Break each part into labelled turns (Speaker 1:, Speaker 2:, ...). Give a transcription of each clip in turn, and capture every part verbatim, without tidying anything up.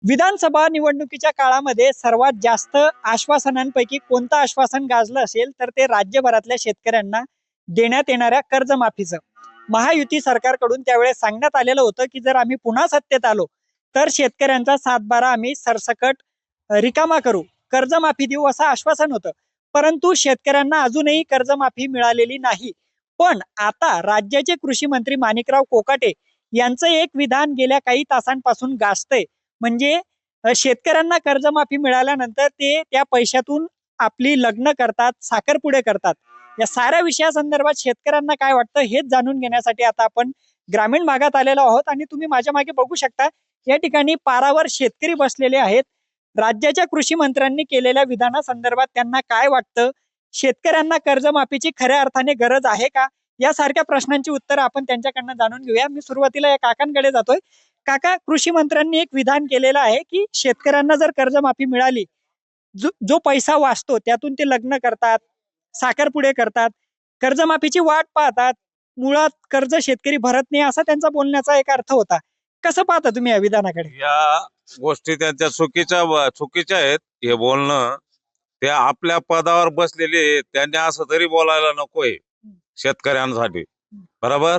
Speaker 1: विधानसभा निवडणुकीच्या काळामध्ये सर्वात जास्त आश्वासनांपैकी कोणतं आश्वासन गाजलं असेल तर ते राज्यभरातल्या शेतकऱ्यांना देण्यात येणाऱ्या कर्जमाफीचं. महायुती सरकारकडून त्यावेळेस सांगण्यात आलेलं होतं की जर आम्ही पुन्हा सत्तेत आलो तर शेतकऱ्यांचा सातबारा आम्ही सरसकट अ, रिकामा करू, कर्जमाफी देऊ असं आश्वासन होतं. परंतु शेतकऱ्यांना अजूनही कर्जमाफी मिळालेली नाही. पण आता राज्याचे कृषी मंत्री माणिकराव कोकाटे यांचं एक विधान गेल्या काही तासांपासून गाजतंय. म्हणजे अ, शेतकऱ्यांना कर्जमाफी मिळाल्यानंतर ते त्या पैशातून आपली लग्न करतात, साखरपुडे करतात. या साऱ्या विषयासंदर्भात शेतकऱ्यांना काय वाटतं हेच जाणून घेण्यासाठी आता आपण ग्रामीण भागात आलेलो आहोत आणि तुम्ही माझ्या मागे बघू शकता या ठिकाणी पारावर शेतकरी बसलेले आहेत. राज्याच्या कृषी मंत्र्यांनी केलेल्या विधानासंदर्भात त्यांना काय वाटतं? शेतकऱ्यांना कर्जमाफीची खऱ्या अर्थाने गरज आहे का? यासारख्या प्रश्नांची उत्तरं आपण त्यांच्याकडनं जाणून घेऊया. मी सुरुवातीला या काकांकडे जातोय. काका, कृषी मंत्र्यांनी एक विधान केलेलं आहे की शेतकऱ्यांना जर कर्जमाफी मिळाली, जो जो पैसा वाचतो त्यातून ते लग्न करतात, साखरपुडे करतात, कर्जमाफीची वाट पाहतात. मुळात कर्ज शेतकरी भरत नाही असा त्यांचा बोलण्याचा एक अर्थ होता. कसं पाहता तुम्ही या विधानाकडे?
Speaker 2: या गोष्टी त्यांच्या चुकीच्या चुकीच्या आहेत. हे बोलणं ते आपल्या पदावर बसलेले आहेत. त्यांनी असं तरी बोलायला नकोय शेतकऱ्यांसाठी, बरोबर?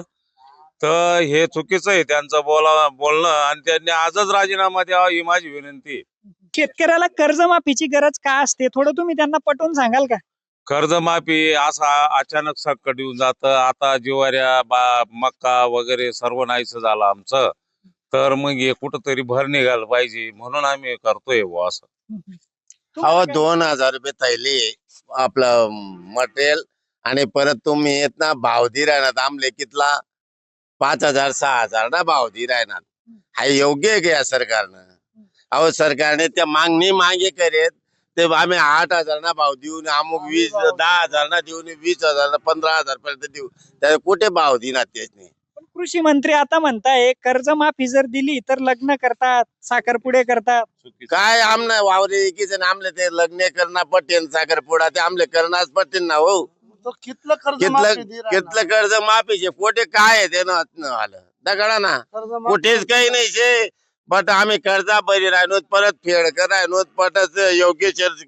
Speaker 2: तर हे चुकीचं आहे त्यांचं बोला बोलणं आणि त्यांनी आजच राजीनामा द्यावा ही माझी विनंती आहे.
Speaker 1: शेतकऱ्याला कर्जमाफीची गरज का असते थोडं तुम्ही त्यांना पटवून सांगाल का?
Speaker 2: कर्जमाफी असा अचानक संकट येऊन जातं. आता ज्वाऱ्या बा मक्का वगैरे सर्व नाहीसं झालं आमचं. तर मग हे कुठंतरी भर निघायला पाहिजे म्हणून आम्ही करतोय बुवा असं.
Speaker 1: तुम्हाला
Speaker 3: अहो
Speaker 1: काय-
Speaker 3: दोन हजार रुपये थैली आपलं मटेरियल आणि परत तुम्ही येत ना भाव दि राहणार आमले कितला पाच हजार सहा हजार ना भाव दि राहणार. हा योग्य आहे का या सरकारनं? अहो सरकारने त्या मागणी मागे करेत ते आम्ही आठ हजार ना भाव देऊन अमुक वीस दहा हजार ना देऊन वीस हजार ना पंधरा हजार पर्यंत देऊ, त्या कुठे भाव देणार त्याने?
Speaker 1: पण कृषी मंत्री आता म्हणताय कर्जमाफी जर दिली तर लग्न करतात, साखरपुडे करतात.
Speaker 3: काय आमना वावरे एकीच आमले ते लग्न करणं पटेन साखरपुडा ते आमले करणारच पटेन ना हो.
Speaker 4: तो कितलं कर्ज
Speaker 3: कितलं
Speaker 4: माफी दे राहिला.
Speaker 3: कितलं कर्ज माफीचे पोटे काय आहे ते न आलं दगडा ना
Speaker 4: कर्ज माफी
Speaker 3: कुठेच काही नाही शे. बट आम्ही कर्जा बरी राहिलो परत फेड करायलो पटच योग्य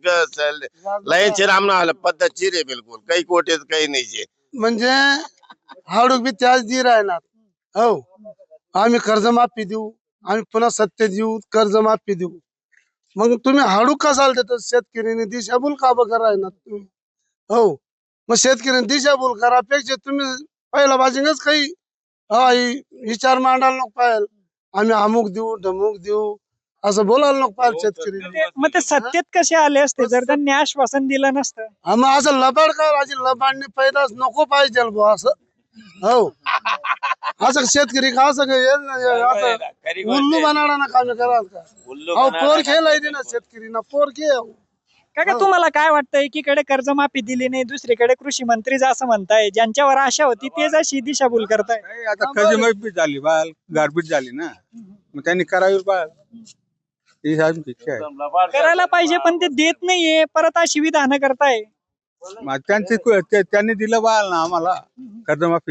Speaker 3: लयनशीर आमना आलं पद्धतशीर आहे बिलकुल काही कोटेच काही नाही शे.
Speaker 4: म्हणजे हाडूक बी त्याच दे राहणार. हो आम्ही कर्ज माफी देऊ, आम्ही पुन्हा सत्य देऊ, कर्ज माफी देऊ. मग तुम्ही हाडूक कसाल देतो शेतकऱ्याने दिशाभूल का बघा राहणार तुम्ही? हो मग शेतकऱ्याने दिशाभूल करापेक्षा तुम्ही पहिला बाजूनच काही हा हि- विचार मांडायला नको पाहिजे. आम्ही अमुक देऊ ढमुक देऊ असं बोलायला नको पाहिजे शेतकरी.
Speaker 1: ते- मग ते सत्तेत कसे आले असते जर त्यांनी आश्वासन दिलं नसतं?
Speaker 4: हा मग असं लबाड का राजी लबाडने पैदाच नको पाहिजे बुवा असं. हो असं शेतकरी का असं काय येईल ना, असं उल्लू बनाडा ना काम कराल का? अहो पोर खेळाय दे ना शेतकरी ना पोर खेळ.
Speaker 1: काका, तुम्हाला काय वाटतं एकीकडे कर्जमाफी दिली नाही, दुसरीकडे कृषी मंत्री असं म्हणताय ज्यांच्यावर आशा होती तेच अशी दिशाभूल करताय?
Speaker 5: नाही, आता कर्जमाफी झाली बाल गारपीट झाली ना, मग त्यांनी करावी बाल ही आमची इच्छा आहे.
Speaker 1: करायला पाहिजे पण ते देत नाहीये, परत अशी विधानं करताय.
Speaker 5: मग त्यांची कु- ते- त्यांनी दिलं बाल ना आम्हाला कर्जमाफी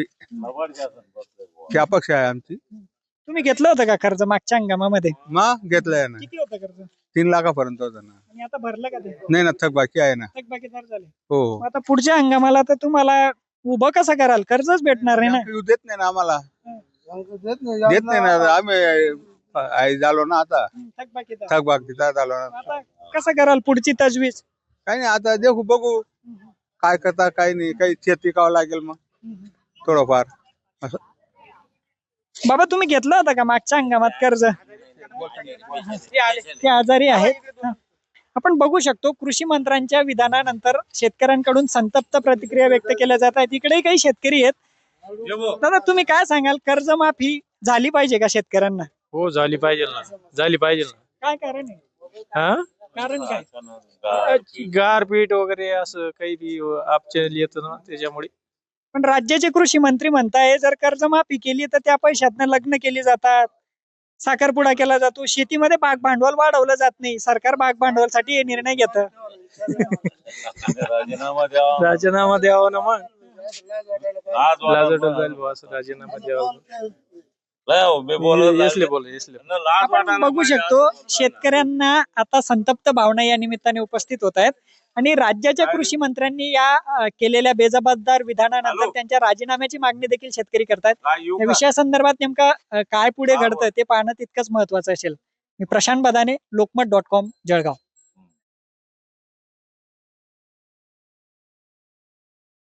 Speaker 5: ही अपेक्षा आहे आमची.
Speaker 1: तुम्ही घेतलं होतं का कर्ज मागच्या हंगामामध्ये?
Speaker 5: मग घेतलंय ना,
Speaker 1: किती होतं कर्ज
Speaker 5: तीन लाखापर्यंत होतं ना.
Speaker 1: आणि आता भरलं का ते?
Speaker 5: नाही ना, थक बाकी आहे ना.
Speaker 1: थकबाकीदार झाले.
Speaker 5: हो
Speaker 1: मग आता पुढच्या हंगामाला तर तुम्हाला उभं कसं कराल? कर्जच भेटणार नाही ना.
Speaker 5: येऊ देत नाही ना आम्हाला,
Speaker 4: देत नाही
Speaker 5: देत नाही ना. आम्ही आई झालो ना आता,
Speaker 1: थकबाकीदार.
Speaker 5: थक बाकी झालो ना.
Speaker 1: आता कसं कराल पुढची तजवीज?
Speaker 5: काही नाही, आता देखू बघू काय करता काय नाही. काही शेत पिकावं लागेल मग थोडंफार असं.
Speaker 1: बाबा, तुम्ही घेतलं होतं का मागच्या हंगामात कर्ज? ते आजारी आहेत. हा. आपण बघू शकतो कृषी मंत्र्यांच्या विधानानंतर शेतकऱ्यांकडून संतप्त प्रतिक्रिया व्यक्त केल्या जात आहेत. इकडेही काही शेतकरी आहेत. दादा, तुम्ही काय सांगाल, कर्जमाफी झाली पाहिजे का शेतकऱ्यांना?
Speaker 6: हो झाली पाहिजे ना, झाली पाहिजे ना.
Speaker 1: काय कारण आहे?
Speaker 6: हा
Speaker 1: कारण काय?
Speaker 6: गारपीट वगैरे असं काही बी आपच्या येतं ना त्याच्यामुळे.
Speaker 1: पण राज्याचे कृषी मंत्री म्हणताय जर कर्जमाफी केली तर त्या पैशातनं लग्न केली जातात, साखरपुडा केला जातो, शेतीमध्ये भाग भांडवल वाढवलं जात नाही. सरकार भाग भांडवलसाठी हे निर्णय घेतं.
Speaker 2: राजीनामा द्यावा.
Speaker 6: राजीनामा द्यावा ना मग.
Speaker 2: आज वाला
Speaker 6: लाजटच जाईल बुवा असं राजीनामा द्यावा.
Speaker 2: लय हो, मी बोलत
Speaker 6: ये- यसले
Speaker 2: राहिले.
Speaker 6: बोल यसले
Speaker 2: त्यांना लाज
Speaker 1: आपण
Speaker 2: वाटायला
Speaker 1: बघू
Speaker 2: पाहिजे
Speaker 1: शकतो
Speaker 2: असं बोलतात.
Speaker 1: शेतकऱ्यांना आता संतप्त भावना या निमित्ताने उपस्थित होत आहेत आणि राज्याच्या कृषी मंत्र्यांनी या अ, केलेल्या बेजबाबदार विधानानंतर
Speaker 2: हॅलो.
Speaker 1: त्यांच्या राजीनाम्याची मागणी देखील शेतकरी करतायत.
Speaker 2: काय येऊ
Speaker 1: या
Speaker 2: का?
Speaker 1: विषयासंदर्भात नेमका अ, काय पुढे
Speaker 2: हा,
Speaker 1: घडतं ते पाहणं तितकंच महत्वाचं असेल. मी प्रशांत बदाने, लोकमत डॉट कॉम, जळगाव.